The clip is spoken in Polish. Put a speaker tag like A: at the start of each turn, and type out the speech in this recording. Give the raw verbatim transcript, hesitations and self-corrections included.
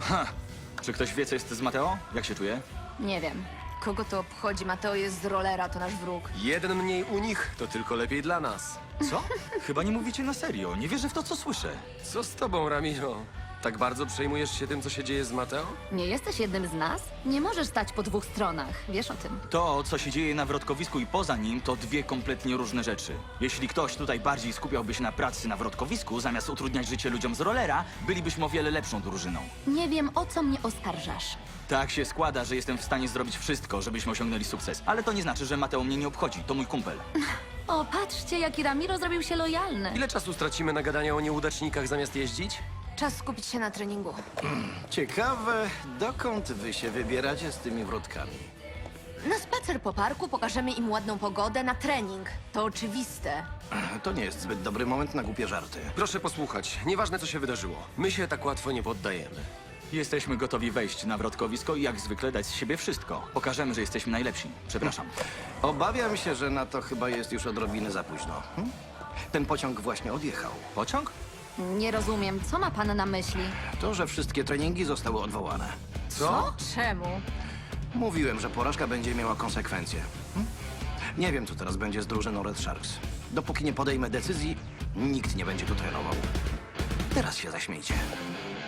A: Ha! Czy ktoś wie, co jest z Mateo? Jak się czuje?
B: Nie wiem. Kogo to obchodzi? Mateo jest z rolera, to nasz wróg.
C: Jeden mniej u nich, to tylko lepiej dla nas.
A: Co? Chyba nie mówicie na serio. Nie wierzę w to, co słyszę.
C: Co z tobą, Ramiro? Tak bardzo przejmujesz się tym, co się dzieje z Mateo?
B: Nie jesteś jednym z nas? Nie możesz stać po dwóch stronach. Wiesz o tym.
A: To, co się dzieje na wrotkowisku i poza nim, to dwie kompletnie różne rzeczy. Jeśli ktoś tutaj bardziej skupiałby się na pracy na wrotkowisku, zamiast utrudniać życie ludziom z rolera, bylibyśmy o wiele lepszą drużyną.
B: Nie wiem, o co mnie oskarżasz.
A: Tak się składa, że jestem w stanie zrobić wszystko, żebyśmy osiągnęli sukces. Ale to nie znaczy, że Mateo mnie nie obchodzi. To mój kumpel.
B: O, patrzcie, jaki Ramiro zrobił się lojalny.
C: Ile czasu stracimy na gadanie o nieudacznikach zamiast jeździć?
B: Czas skupić się na treningu.
D: Ciekawe, dokąd wy się wybieracie z tymi wrotkami?
B: Na spacer po parku pokażemy im ładną pogodę, na trening. To oczywiste.
D: To nie jest zbyt dobry moment na głupie żarty.
C: Proszę posłuchać, nieważne co się wydarzyło. My się tak łatwo nie poddajemy.
A: Jesteśmy gotowi wejść na wrotkowisko i jak zwykle dać z siebie wszystko. Pokażemy, że jesteśmy najlepsi. Przepraszam.
D: Obawiam się, że na to chyba jest już odrobinę za późno. Hm? Ten pociąg właśnie odjechał.
A: Pociąg?
B: Nie rozumiem, co ma pan na myśli?
D: To, że wszystkie treningi zostały odwołane.
C: Co?
B: Czemu?
D: Mówiłem, że porażka będzie miała konsekwencje. Hm? Nie wiem, co teraz będzie z drużyną Red Sharks. Dopóki nie podejmę decyzji, nikt nie będzie tu trenował. Teraz się zaśmiejcie.